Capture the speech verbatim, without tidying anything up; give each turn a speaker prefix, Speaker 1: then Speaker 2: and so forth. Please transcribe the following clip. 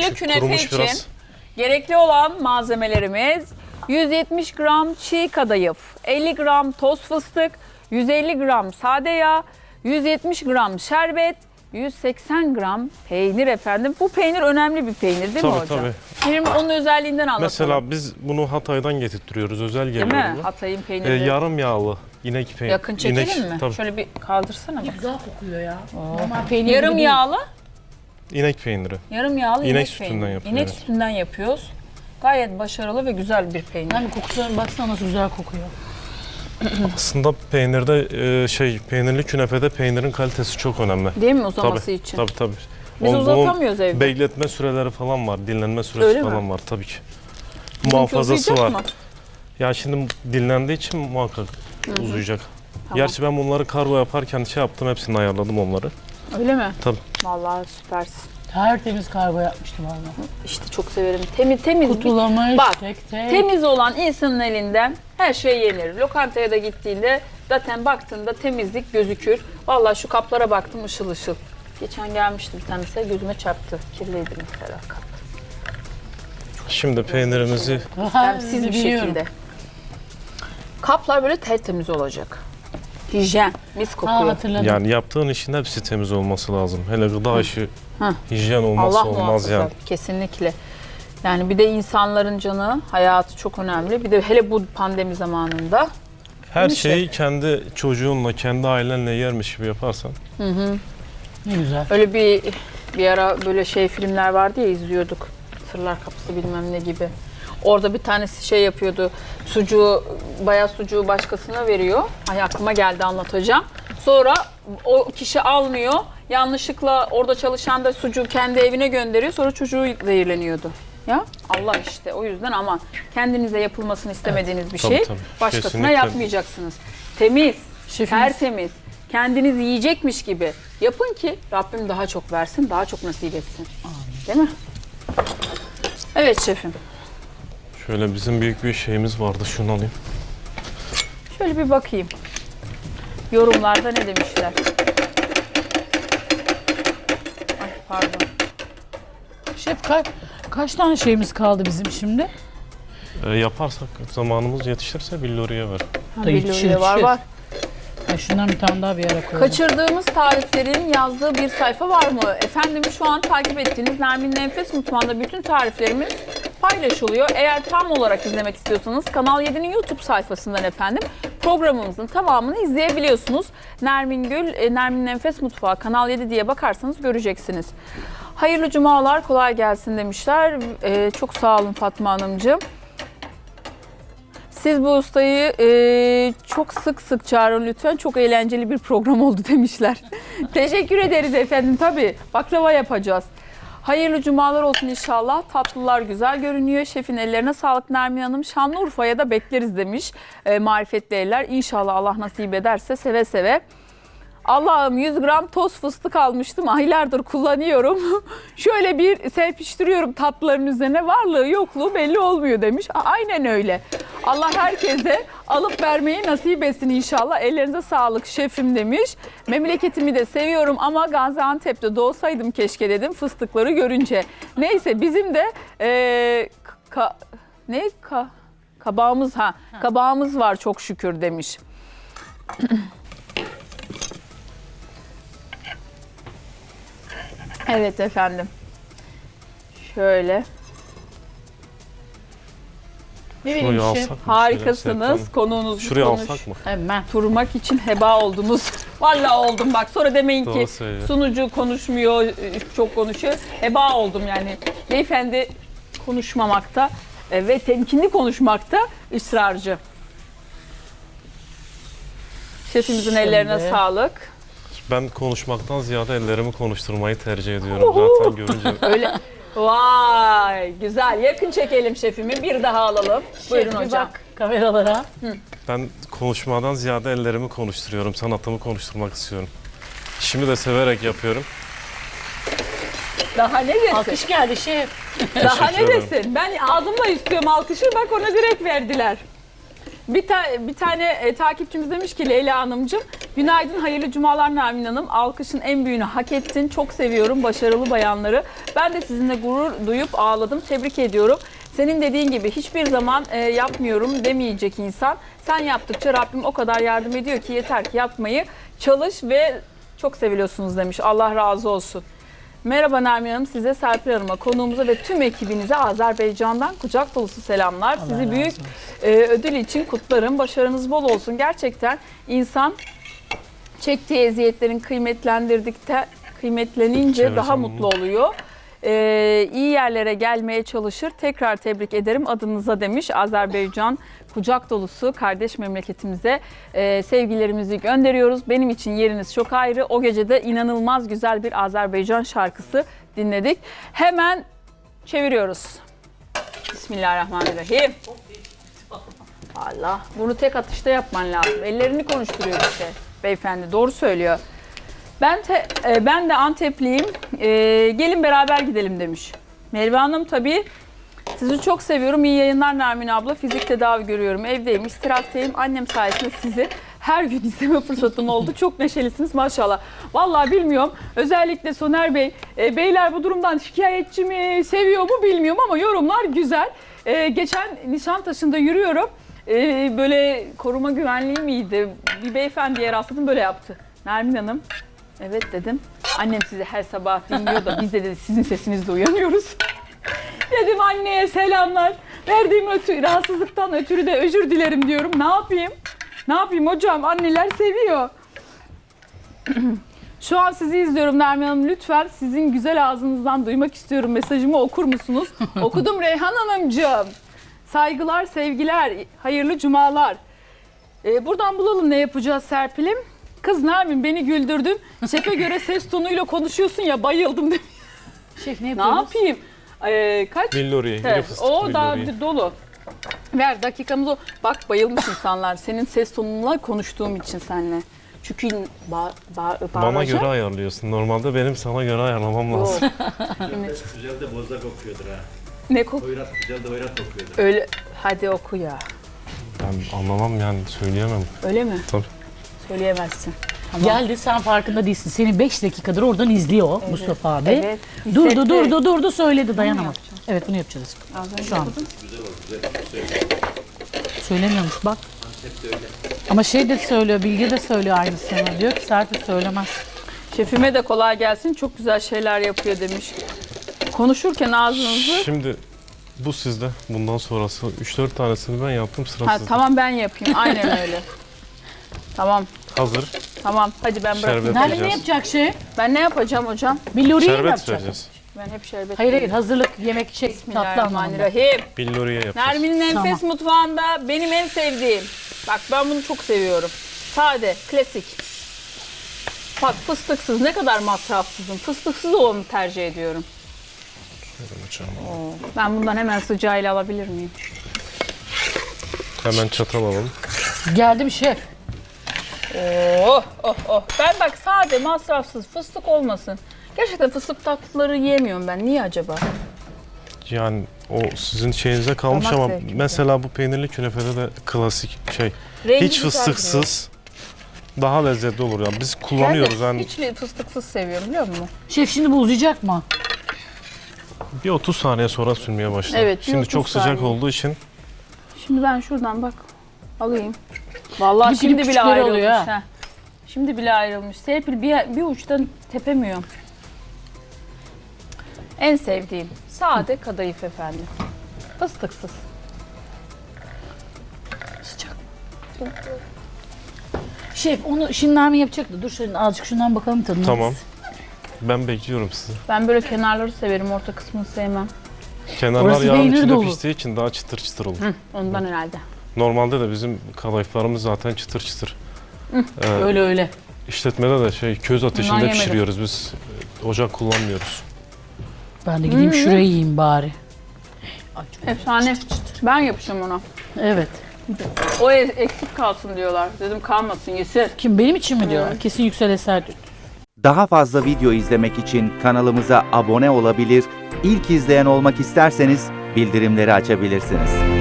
Speaker 1: Peynirli künefe
Speaker 2: kurumuş
Speaker 1: için
Speaker 2: biraz.
Speaker 1: gerekli olan malzemelerimiz yüz yetmiş gram çiğ kadayıf, elli gram toz fıstık, yüz elli gram sade yağ, yüz yetmiş gram şerbet, yüz seksen gram peynir efendim. Bu peynir önemli bir peynir değil
Speaker 2: Tabii,
Speaker 1: mi hocam?
Speaker 2: tabii.
Speaker 1: Şimdi onun özelliğinden anlatalım.
Speaker 2: Mesela biz bunu Hatay'dan getirtiyoruz. Özel
Speaker 1: değil
Speaker 2: geliyor.
Speaker 1: mi?
Speaker 2: bu.
Speaker 1: Hatay'ın
Speaker 2: Ee,
Speaker 1: peyniri.
Speaker 2: yarım yağlı inek peyniri.
Speaker 1: Yakın çekelim
Speaker 2: inek,
Speaker 1: mi?
Speaker 2: Tabii.
Speaker 1: Şöyle bir kaldırsana bak.
Speaker 3: Güzel kokuyor ya. Normal peynir
Speaker 1: Yarım
Speaker 3: gibi değil.
Speaker 1: yağlı,
Speaker 2: İnek peyniri.
Speaker 1: yarım yağlı
Speaker 2: İnek
Speaker 1: inek,
Speaker 2: sütünden
Speaker 1: peyniri.
Speaker 2: yapıyoruz,
Speaker 1: İnek
Speaker 2: evet.
Speaker 1: sütünden yapıyoruz. Gayet başarılı ve güzel bir peynir.
Speaker 3: Yani kokusuna baksana nasıl güzel kokuyor.
Speaker 2: Aslında peynirde e, şey peynirli künefede peynirin kalitesi çok önemli.
Speaker 1: Değil mi uzaması
Speaker 2: Tabii,
Speaker 1: için?
Speaker 2: tabii tabii.
Speaker 1: Biz
Speaker 2: Onun-
Speaker 1: uzatamıyoruz
Speaker 2: bunun
Speaker 1: evde.
Speaker 2: Bekletme süreleri falan var, dinlenme süresi
Speaker 1: Öyle mi?
Speaker 2: falan var tabii ki.
Speaker 1: Bizimki
Speaker 2: Muhafazası
Speaker 1: uzayacak
Speaker 2: var.
Speaker 1: mı?
Speaker 2: Ya şimdi dinlendiği için muhakkak uzayacak.
Speaker 1: Tamam.
Speaker 2: Gerçi ben bunları kargo yaparken şey yaptım, hepsini ayarladım onları.
Speaker 1: Öyle mi?
Speaker 2: Tabii.
Speaker 1: Vallahi süpersin.
Speaker 3: Tertemiz kargo yapmıştım valla.
Speaker 1: İşte çok severim. Temiz temiz.
Speaker 3: Kutulamış
Speaker 1: Bak,
Speaker 3: tek tek.
Speaker 1: Temiz olan insanın elinden her şey yenir. Lokantaya da gittiğinde zaten baktığında temizlik gözükür. Vallahi şu kaplara baktım ışıl ışıl. Geçen gelmişti bir tanesi gözüme çarptı. Kirliydi mesela kap.
Speaker 2: Şimdi peynirimizi
Speaker 1: Temsiz bir
Speaker 3: biliyorum.
Speaker 1: şekilde. Kaplar böyle tertemiz olacak. Hijyen, mis
Speaker 3: Ha,
Speaker 1: kokuyor.
Speaker 3: hatırladım.
Speaker 2: yani yaptığın işin hepsi temiz olması lazım. Hele gıda işi
Speaker 1: Hı.
Speaker 2: hijyen olmazsa
Speaker 1: Allah
Speaker 2: olmaz
Speaker 1: muhafaza.
Speaker 2: yani.
Speaker 1: Kesinlikle. Yani bir de insanların canı, hayatı çok önemli. Bir de hele bu pandemi zamanında.
Speaker 2: Her
Speaker 1: Değil mi
Speaker 2: şeyi kendi çocuğunla, kendi ailenle yermiş gibi yaparsan.
Speaker 3: Ne güzel.
Speaker 1: Öyle bir bir ara böyle şey filmler vardı ya izliyorduk. Sırlar Kapısı bilmem ne gibi. Orada bir tanesi şey yapıyordu. Sucuğu, bayağı sucuğu başkasına veriyor. Ay aklıma geldi anlatacağım. Sonra o kişi almıyor. Yanlışlıkla orada çalışan da sucuğu kendi evine gönderiyor. Sonra çocuğu zehirleniyordu. Ya Allah işte o yüzden aman kendinize yapılmasını istemediğiniz bir
Speaker 2: Tabii,
Speaker 1: şey
Speaker 2: tabii.
Speaker 1: başkasına
Speaker 2: Kesinlikle.
Speaker 1: yapmayacaksınız. Temiz,
Speaker 3: Şefimiz.
Speaker 1: tertemiz, kendiniz yiyecekmiş gibi yapın ki Rabbim daha çok versin, daha çok nasip etsin. Değil mi? Evet şefim.
Speaker 2: Şöyle bizim büyük bir şeyimiz vardı, şunu alayım.
Speaker 1: Şöyle bir bakayım. Yorumlarda ne demişler? Ay pardon.
Speaker 3: Şef kaç, kaç tane şeyimiz kaldı bizim şimdi?
Speaker 2: Ee, yaparsak zamanımız yetişirse billuriye ver.
Speaker 1: Ha,
Speaker 3: Da yetişir,
Speaker 1: biliyorum, var
Speaker 3: yetişir.
Speaker 1: var.
Speaker 3: Ya şundan bir tane daha bir yere koyalım.
Speaker 1: Kaçırdığımız tariflerin yazdığı bir sayfa var mı? Efendim şu an takip ettiğiniz Nermin'in Enfes Mutfağı'nda bütün tariflerimiz paylaşılıyor. Eğer tam olarak izlemek istiyorsanız Kanal yedi'nin YouTube sayfasından efendim programımızın tamamını izleyebiliyorsunuz. Nermin Gül, e, Nermin'in Enfes Mutfağı Kanal yedi diye bakarsanız göreceksiniz. Hayırlı cumalar, kolay gelsin demişler. E, çok sağ olun Fatma Hanımcığım. Siz bu ustayı e, çok sık sık çağırın lütfen. Çok eğlenceli bir program oldu demişler. Teşekkür ederiz efendim. Tabii baklava yapacağız. Hayırlı cumalar olsun inşallah. Tatlılar güzel görünüyor. Şefin ellerine sağlık Nermin Hanım. Şanlıurfa'ya da bekleriz demiş e, marifetli eller. İnşallah Allah nasip ederse seve seve. Allah'ım yüz gram toz fıstık almıştım. Aylardır kullanıyorum. Şöyle bir serpiştiriyorum tatlıların üzerine. Varlığı yokluğu belli olmuyor demiş. A- Aynen öyle. Allah herkese alıp vermeyi nasip etsin inşallah. Ellerinize sağlık şefim demiş. Memleketimi de seviyorum ama Gaziantep'te doğsaydım keşke dedim fıstıkları görünce. Neyse bizim de ee, ka- ne ka- kabağımız ha kabağımız var çok şükür demiş. Evet efendim. Şöyle.
Speaker 3: Ne
Speaker 2: Şurayı
Speaker 3: vereyim şef?
Speaker 2: alsak mı? Şöyle
Speaker 1: Harikasınız.
Speaker 2: Serkan,
Speaker 1: Konuğunuz
Speaker 2: Şuraya
Speaker 1: konuş.
Speaker 2: alsak mı?
Speaker 3: Hemen.
Speaker 1: Turmak için heba oldunuz. Vallahi oldum bak. Sonra demeyin
Speaker 2: Doğru
Speaker 1: ki
Speaker 2: söylüyor.
Speaker 1: sunucu konuşmuyor, çok konuşuyor. Heba oldum yani. Beyefendi konuşmamakta e, ve temkinli konuşmakta ısrarcı. Şefimizin
Speaker 3: Şimdi.
Speaker 1: ellerine sağlık.
Speaker 2: Ben konuşmaktan ziyade ellerimi konuşturmayı tercih ediyorum.
Speaker 1: Uhu.
Speaker 2: Zaten görünce
Speaker 1: Öyle. Vay güzel. Yakın çekelim şefimi. Bir daha alalım. Buyurun
Speaker 3: Şef, bir
Speaker 1: hocam.
Speaker 3: bak kameralara.
Speaker 2: ben konuşmadan ziyade ellerimi konuşturuyorum. Sanatımı konuşturmak istiyorum. İşimi de severek yapıyorum.
Speaker 1: Daha ne desin?
Speaker 3: Alkış geldi şef.
Speaker 1: Daha ne
Speaker 2: Teşekkür ederim.
Speaker 1: desin? Ben ağzımla istiyorum alkışı. Bak ona direkt verdiler. Bir, ta- bir tane e, takipçimiz demiş ki Leyla Hanımcığım Günaydın, hayırlı cumalar Nermin Hanım. Alkışın en büyüğünü hak ettin. Çok seviyorum başarılı bayanları. Ben de sizinle gurur duyup ağladım. Tebrik ediyorum. Senin dediğin gibi hiçbir zaman e, yapmıyorum demeyecek insan. Sen yaptıkça Rabbim o kadar yardım ediyor ki yeter ki yapmayı çalış ve çok seviliyorsunuz demiş. Allah razı olsun. Merhaba Nermin Hanım, size Serpil Hanım'a, konuğumuza ve tüm ekibinize Azerbaycan'dan kucak dolusu selamlar.
Speaker 3: Allah
Speaker 1: Sizi
Speaker 3: razı
Speaker 1: büyük
Speaker 3: olsun.
Speaker 1: e, ödül için kutlarım. Başarınız bol olsun. Gerçekten insan çektiği eziyetlerin kıymetlendirdikte kıymetlenince
Speaker 2: Çevre
Speaker 1: daha
Speaker 2: savunma.
Speaker 1: mutlu oluyor. Ee, iyi yerlere gelmeye çalışır. Tekrar tebrik ederim adınıza demiş. Azerbaycan kucak dolusu kardeş memleketimize e, sevgilerimizi gönderiyoruz. Benim için yeriniz çok ayrı. O gece de inanılmaz güzel bir Azerbaycan şarkısı dinledik. Hemen çeviriyoruz. Bismillahirrahmanirrahim. Allah, bunu tek atışta yapman lazım. Ellerini konuşturuyor işte beyefendi. Doğru söylüyor. Ben te, e, ben de Antepliyim. E, gelin beraber gidelim demiş. Merve Hanım tabii. Sizi çok seviyorum. İyi yayınlar Nermin abla. Fizik tedavi görüyorum. Evdeyim, istirahatteyim. Annem sayesinde sizi her gün izleme fırsatım oldu. Çok neşelisiniz maşallah. Vallahi bilmiyorum. Özellikle Soner Bey, e, beyler bu durumdan şikayetçi mi, seviyor mu bilmiyorum ama yorumlar güzel. E, geçen Nişantaşı'nda yürüyorum. E, böyle koruma güvenliği miydi? Bir beyefendiye rastladım, böyle yaptı. Nermin Hanım, evet dedim. Annem sizi her sabah dinliyor da biz de dedi sizin sesinizle uyanıyoruz. Dedim anneye selamlar. Verdiğim ötü, rahatsızlıktan ötürü de özür dilerim diyorum. Ne yapayım? Ne yapayım hocam? Anneler seviyor. Şu an sizi izliyorum Nermin Hanım. Lütfen sizin güzel ağzınızdan duymak istiyorum. Mesajımı okur musunuz? Okudum Reyhan Hanımcığım. Saygılar, sevgiler, hayırlı cumalar. Ee, buradan bulalım ne yapacağız Serpil'im. Kız Nermin beni güldürdün. Şefe göre ses tonuyla konuşuyorsun ya, bayıldım demiş.
Speaker 3: Şef ne
Speaker 1: Ne
Speaker 3: yapıyoruz?
Speaker 1: yapayım? Ee, kaç?
Speaker 2: Billuriye,
Speaker 1: Evet,
Speaker 2: biri fıstık
Speaker 1: o daha
Speaker 2: billuriye.
Speaker 1: dolu. Ver dakikamız o. Bak bayılmış insanlar senin ses tonunla konuştuğum için seninle. Çünkü ba ba
Speaker 2: Bana
Speaker 1: bağıracak.
Speaker 2: göre ayarlıyorsun. Normalde benim sana göre ayarlamam lazım.
Speaker 1: Yok. Şimdi
Speaker 4: Güzel de bozda kokuyordur ha.
Speaker 1: ne kok?
Speaker 4: Hoyrat güzel de hoyrat kokuyordur.
Speaker 1: Öyle. Hadi oku ya.
Speaker 2: Ben anlamam yani, söyleyemem.
Speaker 1: Öyle mi?
Speaker 2: Tabii.
Speaker 1: Söyleyemezsin.
Speaker 3: Geldi, sen farkında değilsin. Seni beş dakikadır oradan izliyor Mustafa abi.
Speaker 1: Evet,
Speaker 3: Durdu
Speaker 1: hissetti.
Speaker 3: durdu durdu söyledi, dayanamadı. Evet, bunu yapacağız.
Speaker 1: Az önce
Speaker 3: Şu an.
Speaker 1: yapalım.
Speaker 3: Söylemiyormuş bak. Ama şey de söylüyor, Bilge de söylüyor aynısını. Diyor ki Serpil söylemez.
Speaker 1: Şefime de kolay gelsin. Çok güzel şeyler yapıyor demiş. Konuşurken ağzınızı...
Speaker 2: Şimdi bu sizde. Bundan sonrası üç dört tanesini ben yaptım, sıra
Speaker 1: Ha,
Speaker 2: sizde.
Speaker 1: tamam ben yapayım. Aynen öyle. Tamam.
Speaker 2: Hazır.
Speaker 1: Tamam. Hadi ben bırakayım.
Speaker 2: Şerbet.
Speaker 3: Nerede ne
Speaker 2: Yapacağız.
Speaker 3: yapacak şef?
Speaker 1: Ben ne yapacağım hocam?
Speaker 3: Billuriye mi
Speaker 2: Şerbet
Speaker 3: yapacak?
Speaker 2: vereceğiz.
Speaker 1: Ben hep şerbet.
Speaker 3: Hayır hayır, hazırlık, yemek, şey, tatlı anlamında.
Speaker 1: Bismillahirrahmanirrahim.
Speaker 2: Billuriye yapacağız.
Speaker 1: Nermin'in enfes
Speaker 3: Tamam.
Speaker 1: mutfağında benim en sevdiğim. Bak ben bunu çok seviyorum. Sade, klasik. Bak fıstıksız, ne kadar masrafsızım. Fıstıksız olanı tercih ediyorum.
Speaker 2: Hemen açalım.
Speaker 1: Ben bundan hemen sıcağıyla alabilir miyim?
Speaker 2: Hemen çatal alalım.
Speaker 3: Geldim şef.
Speaker 1: Oh oh oh. Ben bak sade, masrafsız, fıstık olmasın. Gerçekten fıstık tatlıları yiyemiyorum ben. Niye acaba?
Speaker 2: Yani o sizin şeyinize kalmış
Speaker 1: Damak
Speaker 2: ama
Speaker 1: zevkimize.
Speaker 2: mesela bu peynirli künefede de klasik şey.
Speaker 1: Rengi
Speaker 2: Hiç
Speaker 1: güzel
Speaker 2: fıstıksız daha lezzetli olur ya. Biz
Speaker 1: duruyor.
Speaker 2: kullanıyoruz
Speaker 1: Ben de
Speaker 2: yani
Speaker 1: hiç fıstıksız seviyorum biliyor musun?
Speaker 3: Şef şimdi bu uzayacak mı?
Speaker 2: bir otuz saniye sonra sürmeye başlar.
Speaker 1: Evet, bir
Speaker 2: Şimdi
Speaker 1: otuz
Speaker 2: çok sıcak
Speaker 1: saniye.
Speaker 2: olduğu için
Speaker 1: Şimdi ben şuradan bak alayım. Vallahi
Speaker 3: Bir
Speaker 1: şimdi
Speaker 3: dilim
Speaker 1: bile
Speaker 3: küçükleri
Speaker 1: ayrılmış.
Speaker 3: oluyor ha.
Speaker 1: ha. Şimdi bile ayrılmış. Serpil bir, bir uçtan tepemiyorum. En sevdiğim sade kadayıf efendim. Fıstıksız.
Speaker 3: Sıcak. Şef onu şimdi Nermin yapacaktı. Dur şöyle azıcık şundan bakalım tadına.
Speaker 2: tamam. Ben bekliyorum sizi.
Speaker 1: Ben böyle kenarları severim, orta kısmını sevmem.
Speaker 2: Kenarlar
Speaker 3: Orası
Speaker 2: yağın
Speaker 3: peynir
Speaker 2: içinde
Speaker 3: dolu.
Speaker 2: piştiği için daha çıtır çıtır olur.
Speaker 1: Hı, ondan herhalde.
Speaker 2: Normalde de bizim kadayıflarımız zaten çıtır çıtır. Ee,
Speaker 3: Öyle öyle.
Speaker 2: işletmede de şey köz ateşinde
Speaker 1: yemedim.
Speaker 2: pişiriyoruz biz. e, Ocak kullanmıyoruz.
Speaker 3: Ben de gideyim şurayı yiyeyim bari. Ay, çok-
Speaker 1: Efsane. Ben yapacağım ona.
Speaker 3: Evet.
Speaker 1: O e- eksik kalsın diyorlar. Dedim kalmasın, yesin.
Speaker 3: Kim, benim için mi diyor? Kesin Yüksel Eser diyor.
Speaker 5: Daha fazla video izlemek için kanalımıza abone olabilir, ilk izleyen olmak isterseniz bildirimleri açabilirsiniz.